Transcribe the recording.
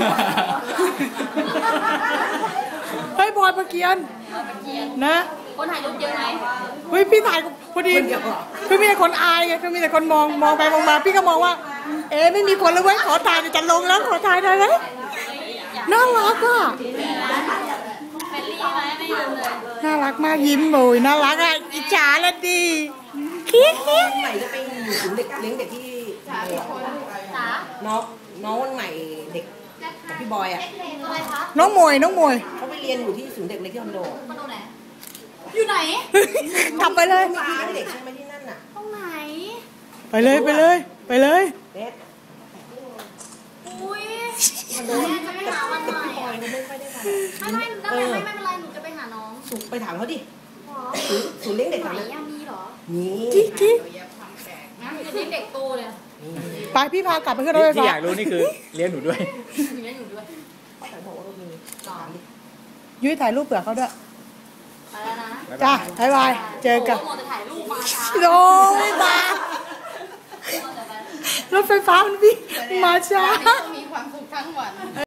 เฮ้ยบอยประเกียนนะคนถ่ายรูปเยอะไหมเฮ้ยพี่ถ่ายพอดีคือมีแต่คนอายไงคือมีแต่คนมองไปมองมาพี่ก็มองว่าไม่มีคนเลยเว้ยขอถ่ายจะลงแล้วขอถ่ายได้ไหมน่ารักอ่ะน่ารักมากยิ้มโวยน่ารักอ่ะอิจฉาละดีคิดใหม่จะไปอยู่ศูนย์เด็กเลี้ยงเด็กที่น้องวันใหม่เด็กของพี่บอยอ่ะน้องมวยเขาไปเรียนอยู่ที่ศูนย์เด็กเล็กที่คอนโดไหนอยู่ไหนทำไปเลยมีที่เลี้ยงเด็กใช่ไหมที่นั่นน่ะตรงไหนไปเลยเด็กอุ้ยแม่จะไปหาวันใหม่ไม่ค่อยได้ทำไม่เป็นไรหนูจะไปหาน้องไปถามเขาดิศูนย์เลี้ยงเด็กไหนมีเหรอมีกิ๊กงั้นจะเลี้ยงเด็กโตเลยไปพี่พากลับไปขึ้นรถไฟฟ้าที่อยากรู้นี่คือเลี้ยงหนูด้วยยุ้ยถ่ายรูปเผื่อเขาด้วยไปแล้วนะจ้าบ๊ายบายเจอกันโอ้ไม่มารถไฟฟ้ามันวิ่งมาช้ามีความสุขทั้งวัน